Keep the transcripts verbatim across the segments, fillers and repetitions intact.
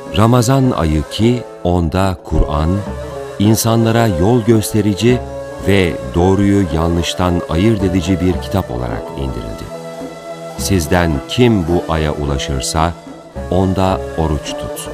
Ramazan ayı ki onda Kur'an, insanlara yol gösterici ve doğruyu yanlıştan ayırt edici bir kitap olarak indirildi. Sizden kim bu aya ulaşırsa onda oruç tutsun.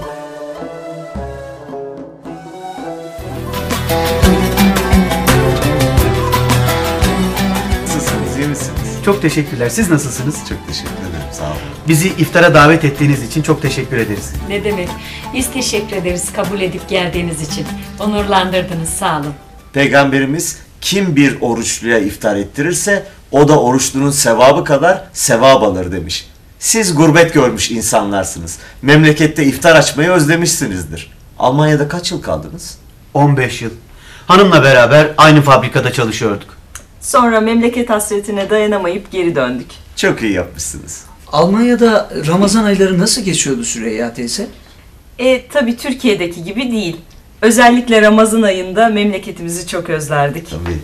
Nasılsınız, iyi misiniz? Çok teşekkürler. Siz nasılsınız? Çok teşekkür ederim, sağ olun. Bizi iftara davet ettiğiniz için çok teşekkür ederiz. Ne demek? Biz teşekkür ederiz kabul edip geldiğiniz için. Onurlandırdınız, sağ olun. Peygamberimiz kim bir oruçluya iftar ettirirse o da oruçlunun sevabı kadar sevap alır demiş. Siz gurbet görmüş insanlarsınız. Memlekette iftar açmayı özlemişsinizdir. Almanya'da kaç yıl kaldınız? on beş yıl. Hanımla beraber aynı fabrikada çalışıyorduk. Sonra memleket hasretine dayanamayıp geri döndük. Çok iyi yapmışsınız. Almanya'da Ramazan ayları nasıl geçiyordu Süreyya teyze? E tabi Türkiye'deki gibi değil. Özellikle Ramazan ayında memleketimizi çok özlerdik. Tabii.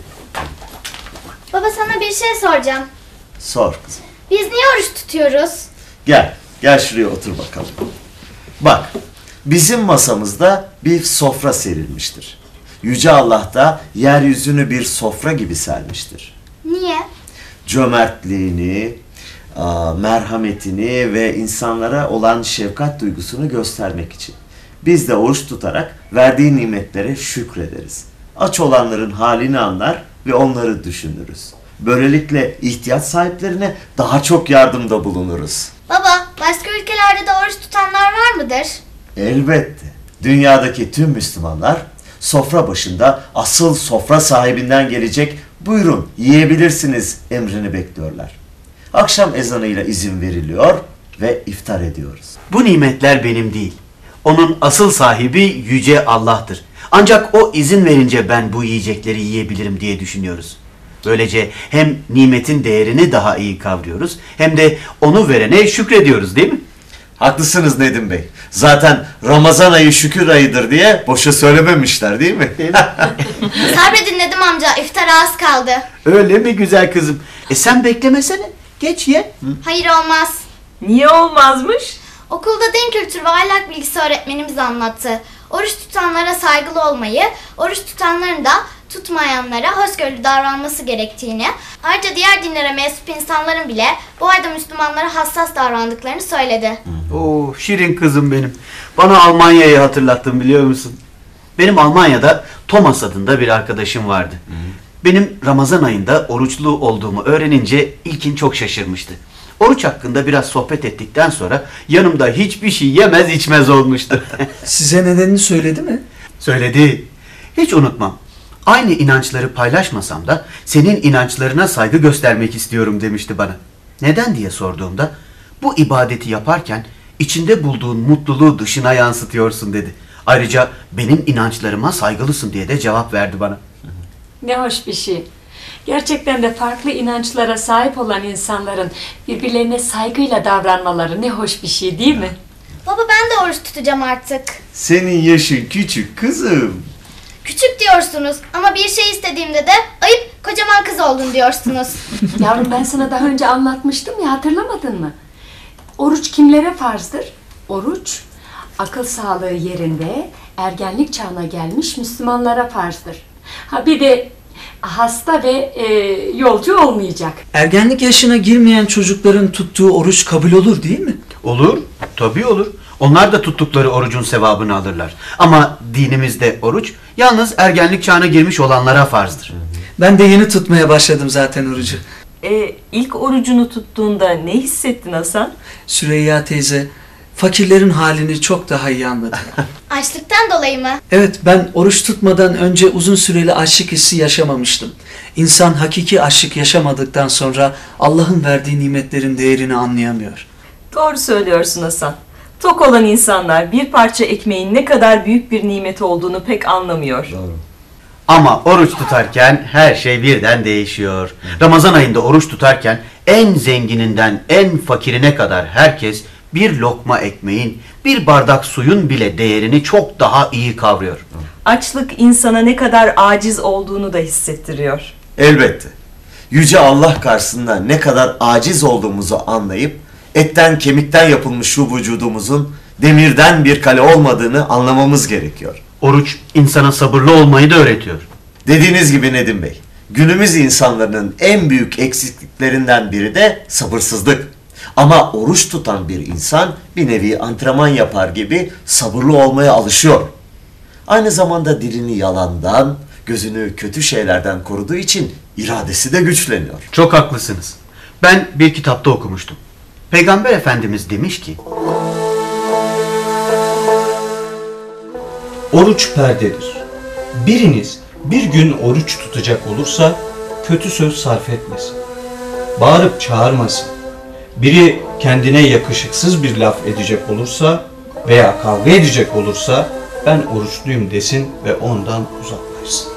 Baba sana bir şey soracağım. Sor kızım. Biz niye oruç tutuyoruz? Gel, gel şuraya otur bakalım. Bak, bizim masamızda bir sofra serilmiştir. Yüce Allah da yeryüzünü bir sofra gibi sermiştir. Niye? Cömertliğini, merhametini ve insanlara olan şefkat duygusunu göstermek için. Biz de oruç tutarak verdiği nimetlere şükrederiz. Aç olanların halini anlar ve onları düşünürüz. Böylelikle ihtiyaç sahiplerine daha çok yardımda bulunuruz. Baba, başka ülkelerde de oruç tutanlar var mıdır? Elbette. Dünyadaki tüm Müslümanlar sofra başında asıl sofra sahibinden gelecek "buyurun yiyebilirsiniz" emrini bekliyorlar. Akşam ezanıyla izin veriliyor ve iftar ediyoruz. Bu nimetler benim değil. Onun asıl sahibi Yüce Allah'tır. Ancak o izin verince ben bu yiyecekleri yiyebilirim diye düşünüyoruz. Böylece hem nimetin değerini daha iyi kavruyoruz hem de onu verene şükrediyoruz, değil mi? Haklısınız Nedim Bey. Zaten Ramazan ayı şükür ayıdır diye boşa söylememişler, değil mi? Değil mi? Sabredin Nedim amca, iftara az kaldı. Öyle mi güzel kızım? E sen beklemesene. Geç ye. Hayır olmaz. Niye olmazmış? Okulda din kültürü ve ahlak bilgisi öğretmenimiz anlattı. Oruç tutanlara saygılı olmayı, oruç tutanların da tutmayanlara hoşgörülü davranması gerektiğini, ayrıca diğer dinlere mensup insanların bile bu ayda Müslümanlara hassas davrandıklarını söyledi. Oo, şirin kızım benim. Bana Almanya'yı hatırlattın, biliyor musun? Benim Almanya'da Thomas adında bir arkadaşım vardı. Hı. Benim Ramazan ayında oruçlu olduğumu öğrenince ilkin çok şaşırmıştı. Oruç hakkında biraz sohbet ettikten sonra yanımda hiçbir şey yemez içmez olmuştu. Size nedenini söyledi mi? Söyledi. Hiç unutmam. Aynı inançları paylaşmasam da senin inançlarına saygı göstermek istiyorum demişti bana. Neden diye sorduğumda bu ibadeti yaparken içinde bulduğun mutluluğu dışına yansıtıyorsun dedi. Ayrıca benim inançlarıma saygılısın diye de cevap verdi bana. Ne hoş bir şey. Gerçekten de farklı inançlara sahip olan insanların birbirlerine saygıyla davranmaları ne hoş bir şey, değil mi? Baba ben de oruç tutacağım artık. Senin yaşın küçük kızım. Küçük diyorsunuz ama bir şey istediğimde de ayıp kocaman kız oldun diyorsunuz. Yavrum ben sana daha önce anlatmıştım ya, hatırlamadın mı? Oruç kimlere farzdır? Oruç akıl sağlığı yerinde ergenlik çağına gelmiş Müslümanlara farzdır. Ha bir de hasta ve e, yolcu olmayacak. Ergenlik yaşına girmeyen çocukların tuttuğu oruç kabul olur değil mi? Olur, tabii olur. Onlar da tuttukları orucun sevabını alırlar. Ama dinimizde oruç yalnız ergenlik çağına girmiş olanlara farzdır. Ben de yeni tutmaya başladım zaten orucu. E, ilk orucunu tuttuğunda ne hissettin Hasan? Süreyya teyze, fakirlerin halini çok daha iyi anladım. Açlıktan dolayı mı? Evet, ben oruç tutmadan önce uzun süreli açlık hissi yaşamamıştım. İnsan hakiki açlık yaşamadıktan sonra Allah'ın verdiği nimetlerin değerini anlayamıyor. Doğru söylüyorsun Hasan. Tok olan insanlar bir parça ekmeğin ne kadar büyük bir nimet olduğunu pek anlamıyor. Doğru. Ama oruç tutarken her şey birden değişiyor. Ramazan ayında oruç tutarken en zengininden en fakirine kadar herkes bir lokma ekmeğin, bir bardak suyun bile değerini çok daha iyi kavruyor. Açlık insana ne kadar aciz olduğunu da hissettiriyor. Elbette. Yüce Allah karşısında ne kadar aciz olduğumuzu anlayıp etten kemikten yapılmış şu vücudumuzun demirden bir kale olmadığını anlamamız gerekiyor. Oruç insana sabırlı olmayı da öğretiyor. Dediğiniz gibi Nedim Bey, günümüz insanların en büyük eksikliklerinden biri de sabırsızlık. Ama oruç tutan bir insan bir nevi antrenman yapar gibi sabırlı olmaya alışıyor. Aynı zamanda dilini yalandan, gözünü kötü şeylerden koruduğu için iradesi de güçleniyor. Çok haklısınız. Ben bir kitapta okumuştum. Peygamber Efendimiz demiş ki, Oruç perdedir. Biriniz bir gün oruç tutacak olursa kötü söz sarf etmesin. Bağırıp çağırmasın. Biri kendine yakışıksız bir laf edecek olursa veya kavga edecek olursa ben oruçluyum desin ve ondan uzaklaşsın.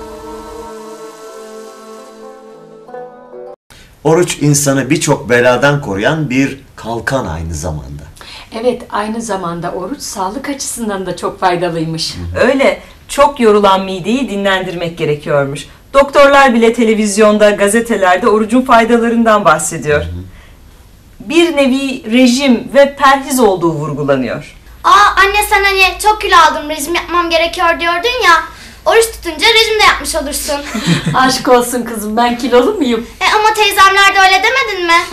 Oruç insanı birçok beladan koruyan bir kalkan aynı zamanda. Evet, aynı zamanda oruç sağlık açısından da çok faydalıymış. Öyle, çok yorulan mideyi dinlendirmek gerekiyormuş. Doktorlar bile televizyonda, gazetelerde orucun faydalarından bahsediyor. Bir nevi rejim ve perhiz olduğu vurgulanıyor. Aa anne, sen hani çok kilo aldım, rejim yapmam gerekiyor diyordun ya. Oruç tutunca rejim de yapmış olursun. Aşk olsun kızım, ben kilolu muyum? E ama teyzemler de öyle demedin mi?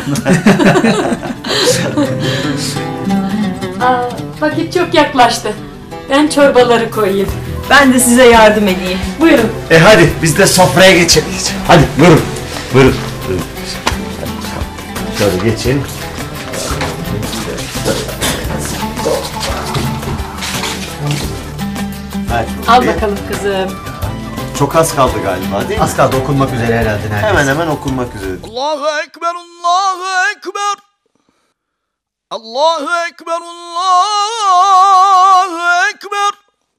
Aa, vakit çok yaklaştı. Ben çorbaları koyayım. Ben de size yardım edeyim. Buyurun. E hadi biz de sofraya geçelim. Hadi buyurun. Buyurun. Buyurun. Şöyle geçin. Hadi. Al bakalım kızım. Çok az kaldı galiba değil mi? az kaldı okunmak üzere herhalde neredeyse. Hemen hemen okunmak üzere. Allahu Ekber, Allahu Ekber. Allahu Ekber, Allahu Ekber.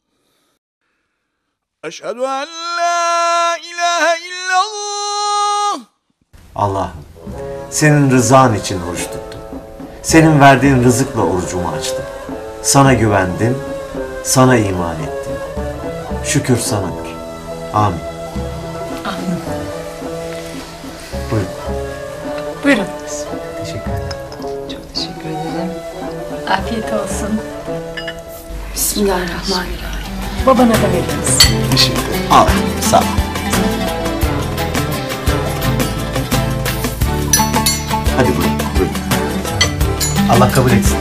Eşhedü en la ilahe illallah. Allah'ım, senin rızan için oruç tuttum. Senin verdiğin rızıkla orucumu açtım. Sana güvendim, sana iman ettim. Şükür sanadır. Amin. Amin. Buyurun. Buyurun. Teşekkür ederim. Çok teşekkür ederim. Afiyet olsun. Bismillahirrahmanirrahim. Babana da veririz. Teşekkür ederim. Al, sağ ol. Hadi buyurun, buyurun. Allah kabul etsin.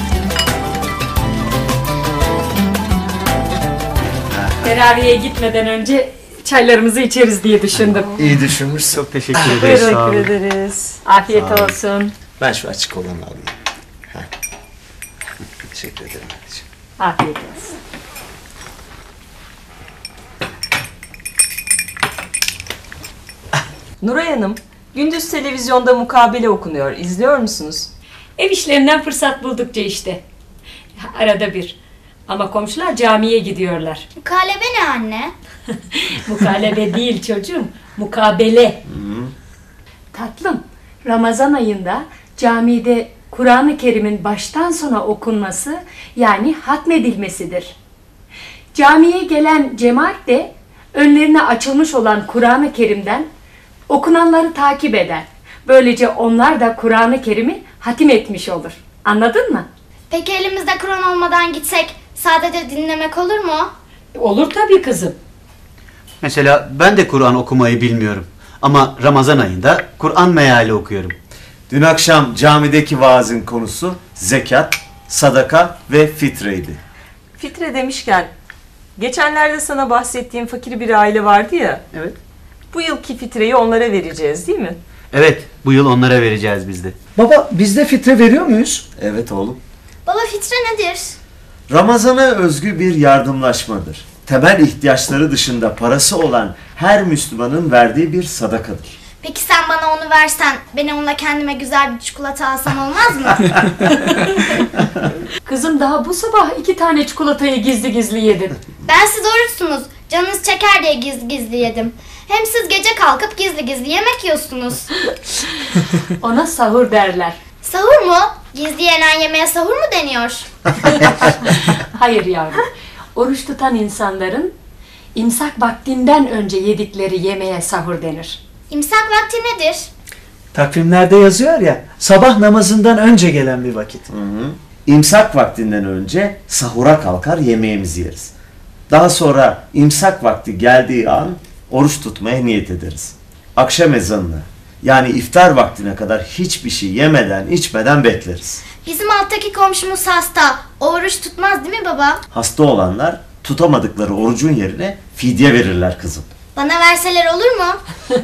Teraviye gitmeden önce çaylarımızı içeriz diye düşündüm. İyi düşünmüşsün. Çok teşekkür ederiz. Teşekkür Sağ olun. ederiz. Afiyet Sağ olun. olsun. Ben şu açık olanı alayım. Heh. Teşekkür ederim anneciğim. Afiyet olsun. Nuray Hanım, gündüz televizyonda mukabele okunuyor. İzliyor musunuz? Ev işlerinden fırsat buldukça işte. Arada bir. Ama komşular camiye gidiyorlar. Mukalebe ne anne? Mukalebe değil çocuğum, mukabele. Tatlım, Ramazan ayında camide Kur'an-ı Kerim'in baştan sona okunması, yani hatmedilmesidir. Camiye gelen cemaat de önlerine açılmış olan Kur'an-ı Kerim'den okunanları takip eder. Böylece onlar da Kur'an-ı Kerim'i hatim etmiş olur. Anladın mı? Peki elimizde Kur'an olmadan gitsek sadece dinlemek olur mu? Olur tabii kızım. Mesela ben de Kur'an okumayı bilmiyorum. Ama Ramazan ayında Kur'an meali okuyorum. Dün akşam camideki vaazın konusu zekat, sadaka ve fitreydi. Fitre demişken, geçenlerde sana bahsettiğim fakir bir aile vardı ya. Evet. Bu yılki fitreyi onlara vereceğiz değil mi? Evet, bu yıl onlara vereceğiz biz de. Baba, biz de fitre veriyor muyuz? Evet oğlum. Baba, fitre nedir? Ramazana özgü bir yardımlaşmadır. Temel ihtiyaçları dışında parası olan her Müslümanın verdiği bir sadakadır. Peki sen bana onu versen, ben onunla kendime güzel bir çikolata alsam olmaz mı? Kızım daha bu sabah iki tane çikolatayı gizli gizli yedin. Ben siz oruçsunuz, canınız çeker diye gizli gizli yedim. Hem siz gece kalkıp gizli gizli yemek yiyorsunuz. Ona sahur derler. Sahur mu? Gizli yenen yemeğe sahur mu deniyor? Hayır yavrum. Oruç tutan insanların imsak vaktinden önce yedikleri yemeğe sahur denir. İmsak vakti nedir? Takvimlerde yazıyor ya, sabah namazından önce gelen bir vakit. Hı hı. İmsak vaktinden önce sahura kalkar yemeğimizi yeriz. Daha sonra imsak vakti geldiği an oruç tutmaya niyet ederiz. Akşam ezanını yani iftar vaktine kadar hiçbir şey yemeden içmeden bekleriz. Bizim alttaki komşumuz hasta. O oruç tutmaz değil mi baba? Hasta olanlar tutamadıkları orucun yerine fidye verirler kızım. Bana verseler olur mu?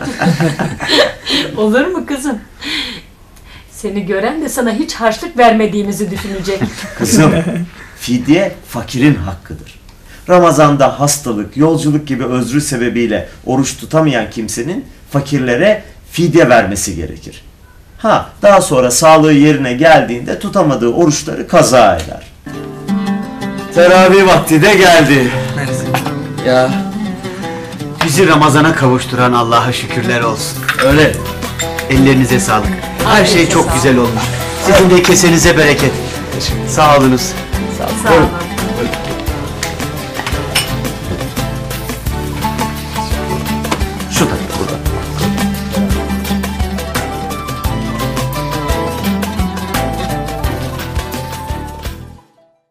Olur mu kızım? Seni gören de sana hiç harçlık vermediğimizi düşünecek. Kızım, fidye fakirin hakkıdır. Ramazanda hastalık, yolculuk gibi özrü sebebiyle oruç tutamayan kimsenin fakirlere fidye vermesi gerekir. Ha, daha sonra sağlığı yerine geldiğinde tutamadığı oruçları kaza eder. Teravih vakti de geldi. Ya bizi Ramazan'a kavuşturan Allah'a şükürler olsun. Öyle. Ellerinize sağlık. Her şey çok güzel olmuş. Sizin de kesenize bereket. Sağ olunuz. Sağ olun.